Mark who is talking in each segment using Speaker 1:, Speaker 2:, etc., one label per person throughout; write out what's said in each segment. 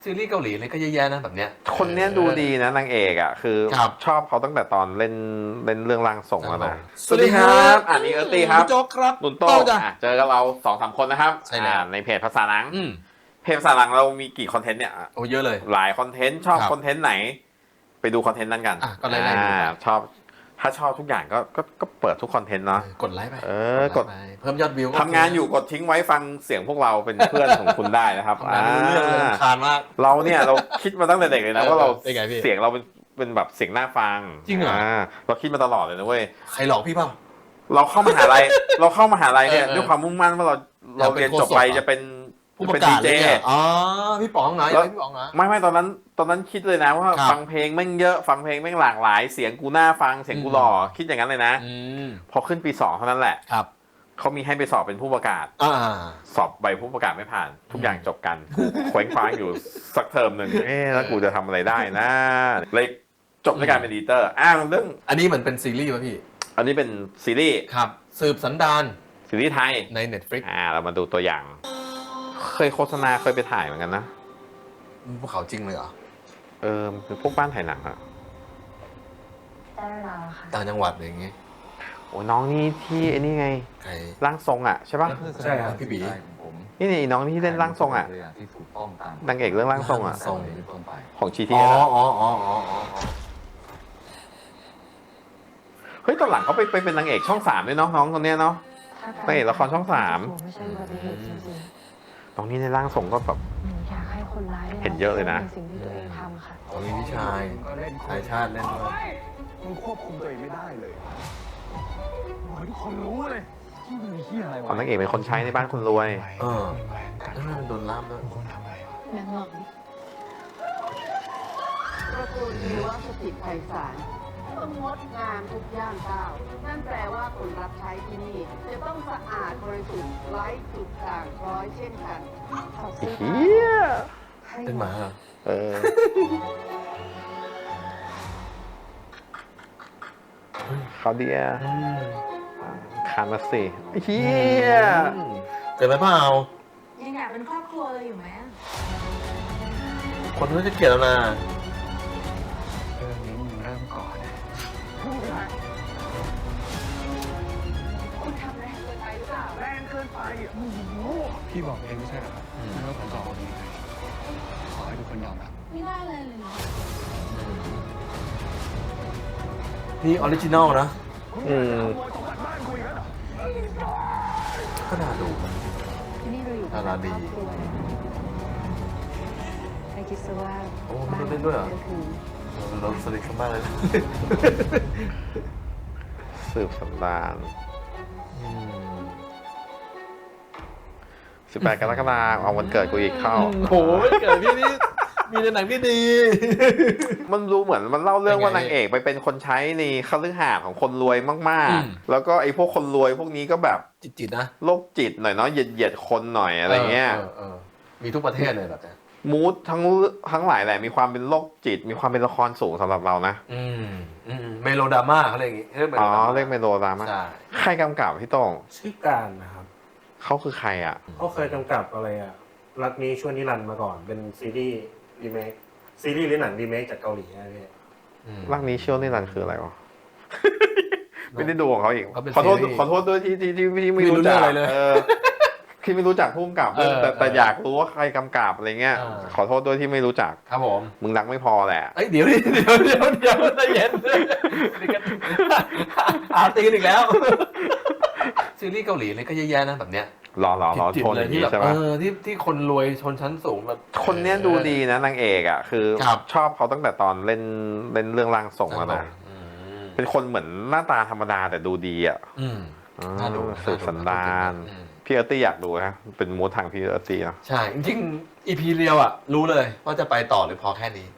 Speaker 1: ซีรีส์เกาหลีเลยก็เยอะแยะนะแบบเนี้ย
Speaker 2: คนเนี้ยดูดีนะนางเอกอ่ะคือชอบเขาตั้งแต่ตอนเล่นเรื่องร่างทรงแล้วนะ
Speaker 1: สวัสดีครับ
Speaker 2: อันนี้ตี้ครับ
Speaker 1: โจ๊กครับ
Speaker 2: นุ่นโต้เจอกับเรา2-3 คนนะครับ
Speaker 1: ใช่แล้ว
Speaker 2: ในเพจภาษาหนังเพจภาษาหนังเรามีกี่คอนเทนต์เนี่ย
Speaker 1: โอ้เยอะเลย
Speaker 2: หลายคอนเทนต์ชอบคอนเทนต์ไหนไปดูคอนเทนต์นั้นกัน
Speaker 1: ก็ไล่
Speaker 2: ชอบถ้าชอบทุกอย่างก็เปิดทุกคอนเทนต์เนาะ
Speaker 1: กดไลค์ไป
Speaker 2: กด
Speaker 1: เพิ่มยอดวิว
Speaker 2: ทำงานอยู่กดทิ้งไว้ฟังเสียงพวกเราเป็นเพื่อนของคุณได้นะครับ
Speaker 1: เรื่องเลยคานมาก
Speaker 2: เราเนี่ยเราคิดมาตั้งแต่เด็กเลยนะว่าเราเสียงเราเป็นแบบเสียงน่าฟัง
Speaker 1: จริงเหรอ
Speaker 2: เราคิดมาตลอดเลยนะเว้ย
Speaker 1: ใครหลอกพี่เปล่า
Speaker 2: เราเข้ามหาลัยเนี่ยด้วยความมุ่งมั่นว่าเราเรียนจบไปจะเป็น
Speaker 1: ผู้ประกาศอ๋อพี่ป๋องไหนพี่ป๋องนะ
Speaker 2: ไม่ตอนนั้นคิดเลยนะว่าฟังเพลงแม่งเยอะฟังเพลงแม่งหลากหลายเสียงกูน่าฟังเสียงกูหล่อคิดอย่างนั้นเลยนะพอขึ้นปี2เท่านั้นแหละ
Speaker 1: ครับ
Speaker 2: เขามีให้ไปสอบเป็นผู้ประกาศสอบใบผู้ประกาศไม่ผ่านทุกอย่างจบกันเคว้งคว้างอยู่สักเทอมหนึ่งแล้วกูจะทำอะไรได้นะเลยจบในการเป็นดีเตอร์เรื่อง
Speaker 1: อันนี้เหมือนเป็นซีรีส์ป่ะพี่
Speaker 2: อันนี้เป็นซีรีส์
Speaker 1: ครับสืบสันดาน
Speaker 2: ซีรีส์ไทย
Speaker 1: ใน Netflix
Speaker 2: เรามาดูตัวอย่างเคยโฆษณาเคยไปถ่ายเหมือนกันนะ
Speaker 1: ภูเขาจริงเลยเหรอ
Speaker 2: เป็นพวกบ้านถ่ายหนังอะ
Speaker 1: ต่างจังหวัดอะไรอย่างเงี้ย
Speaker 2: โอ้น้องนี่ที่ไอ้นี่ไงร่างทรงอะใช่ปะ
Speaker 1: ใช่ครับพี่บี
Speaker 2: นี่น้องที่เล่นร่างทรงอะนางเอกเรื่องร่างทรงอะของชีทีเฮ้ยตอนหลังเขาไปเป็นนางเอกช่อง3ด้วยเนาะน้องคนนี้เนาะนางเอกละครช่อง3น้องนี่ในร่างทรงก็แบบเห็นเยอะเลยนะ
Speaker 1: มีพี่ชายชาติเล่นด้วย
Speaker 3: มึงควบคุมตัวเองไม่ได้เลยทุกคนรู้เลยที่มึงเฮียอะไรวะ
Speaker 2: นางเอกเป็นคนใช้ในบ้านคนรวย
Speaker 1: โดนล่ามด้วย
Speaker 4: นางหลงตระกูลเรือว่าสถิตไพศาลต้องงดงามทุกย่างก้าวนั่นแปลว่าคนรับใช้ที่นี่จะต้องสะอาดบริสุทธิ์ไร้จุดด่างพร้อยเช่นกัน
Speaker 2: เฮีย
Speaker 1: เป็นหมาเหรอ
Speaker 2: เขาเดียคามาสิเฮีย
Speaker 1: เกิดอะไรเปล่า
Speaker 4: ยังอยากเป็นครอบครัวเลยอยู่ไหม
Speaker 1: คนนู้นจะเกลียดแล้วนะ
Speaker 3: เรื่องนี้มึงเริ่มก่อน
Speaker 4: คุณทำแรงเกินไปหรือเปล่า
Speaker 3: แรงเกินไปพี่บอกเองไม่ใช่เหรอครับว่าผมจะออกยังไงขอให้ทุกคนยอมรับ
Speaker 4: ไม่ได้เลยเหรอ
Speaker 1: นี่ออริจินอลนะก็น่าดู
Speaker 4: นี่เราอยู่
Speaker 1: ดาราดี
Speaker 4: ไม่คิดซะว่า
Speaker 1: โอ้มันเล่นด้วยเหรอเราสนิทกันมากเลย
Speaker 2: สืบสันดาน18 กรกฎาคมเอาวันเกิดกูอีกเข้า
Speaker 1: โอ้ยเกิดพี่นี่มีในหนังที่ดี
Speaker 2: มันรู้เหมือนมันเล่าเรื่องว่านางเอกไปเป็นคนใช้ในคฤหาสน์ของคนรวยมากๆแล้วก็ไอ้พวกคนรวยพวกนี้ก็แบบ
Speaker 1: จิตนะ
Speaker 2: โรคจิตหน่อยเนาะเหยียดคนหน่อยอะไรเงี้ย
Speaker 1: มีทุกประเทศเลยแบบนี้
Speaker 2: มูดทั้งหลายแหละมีความเป็นโรคจิตมีความเป็นละครสูงสำหรับเรานะ
Speaker 1: เมโลดราม่าเขาเรียกอย่างงี้
Speaker 2: เรียกเมโลดราม่าใครกำกับพี่โต้ง
Speaker 5: ชื่อการนะครับ
Speaker 2: เขาคือใครอ่ะ
Speaker 5: เขาเคยกำกับอะไรอ่ะรักนี้ชั่วนิรันดร์มาก่อนเป็นซีรีส์รีเมคซีรีส์หรือหนังรีเมคจากเกาหลีนะพี่
Speaker 2: รักนี้ชั่วนิรันดร์คืออะไรวะไม่ได้ดูของเขาอีกขอโทษด้วยที่ไม่รู้จัก
Speaker 1: อะไรเลย
Speaker 2: ที่ไม่รู้จักผู้กำกับแต่อยากรู้ว่าใครกำกับอะไรเงี้ยขอโทษด้วยที่ไม่รู้จัก
Speaker 1: ครับผม
Speaker 2: มึงรักไม่พอแหละ
Speaker 1: เดี๋ยวใจเย็นตีกันอีกแล้วซีรีส์เกาหลีเลยก็เยอะแยะนะแบบเนี้ย
Speaker 2: รอชนอย่างนี้ใช่ไหม
Speaker 1: ที่คนรวยชนชั้นสูงแบบ
Speaker 2: คนเนี้ยดูดีนะนางเอกอ่ะคือชอบเขาตั้งแต่ตอนเล่นเรื่องร่างทรงแล้วนะเป็นคนเหมือนหน้าตาธรรมดาแต่ดูดีอ่ะสืบสันดานพี่ตี้อยากดูนะเป็นมูททางพี่ตี้นะ
Speaker 1: ใช่จริงๆ EP เรียวอ่ะรู้เลยว่าจะไปต่อหรือพอแค่นี้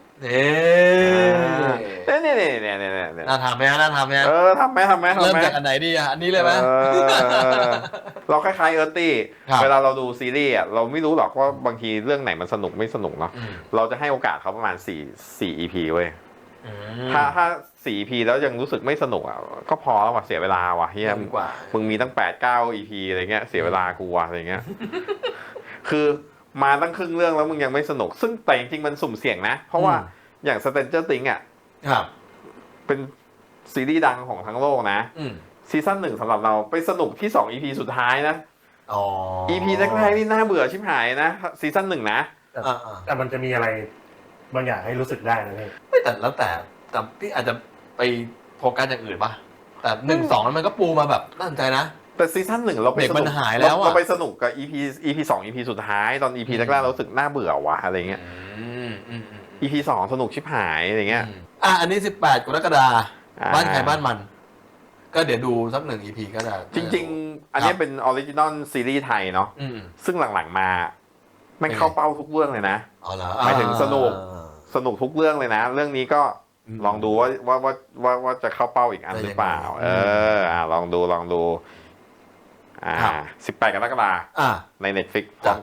Speaker 2: เนี่ย
Speaker 1: น่าทำไหมทำไหมเริ่มจากอันไหนดีอ่ะอันนี้เลยไหม
Speaker 2: เราคล้ายๆตี้เวลาเราดูซีรีส์อ่ะเราไม่รู้หรอกว่าบางทีเรื่องไหนมันสนุกไม่สนุกเนาะเราจะให้โอกาสเขาประมาณ4 EP เว้ยถ้า4 EP แล้วยังรู้สึกไม่สนุกอ่ะก็พอแล้วว่ะเสียเวลาว่ะเฮียมึงมีตั้ง8-9 EP อะไรเงี้ยเสียเวลากูว่ะอะไรเงี้ยคือมาตั้งครึ่งเรื่องแล้วมึงยังไม่สนุกซึ่งแต่จริงๆมันสุ่มเสี่ยงนะเพราะว่าอย่าง Stranger Things อ่ะ
Speaker 1: ครับ
Speaker 2: เป็นซีรีส์ดังของทั้งโลกนะซีซั่น1สำหรับเราไปสนุกที่2 EP สุดท้ายนะEP แรกๆนี่น่าเบื่อชิบหายนะซีซั่น1นะ
Speaker 5: แต่มันจะมีอะไรบางอย่างให้รู้สึกได้นะพี่
Speaker 1: ไม่แต่แล้วแต่พี่อาจจะไปโฟกัสอย่างอื่นป่ะแต่1-2นั้นมันก็ปูมาแบบน่าสนใจนะ
Speaker 2: แต่ซีซั่น1เราไปสนุกเราไปสนุกกับ EP 2 EP สุดท้ายตอน EP แรกๆเรารู้สึกน่าเบื่อว่ะอะไรเงี้ยEP 2สนุกชิบหายอะไรเงี้ย
Speaker 1: อันนี้18 กรกฎาคมบ้านใครบ้านมันก็เดี๋ยวดูสัก1 EP ก็ได้
Speaker 2: จริงๆอันนี้เป็นออริจินอลซีรีส์ไทยเนาะซึ่งหลังๆมาไม่เข้าเป้าทุกเรื่องเลยนะหมายถึงสนุกทุกเรื่องเลยนะเรื่องนี้ก็ลองดูว่าจะเข้าเป้าอีกอันหรือเปล่าลองดู18 กรกฎาคมใน Netflix พร้อม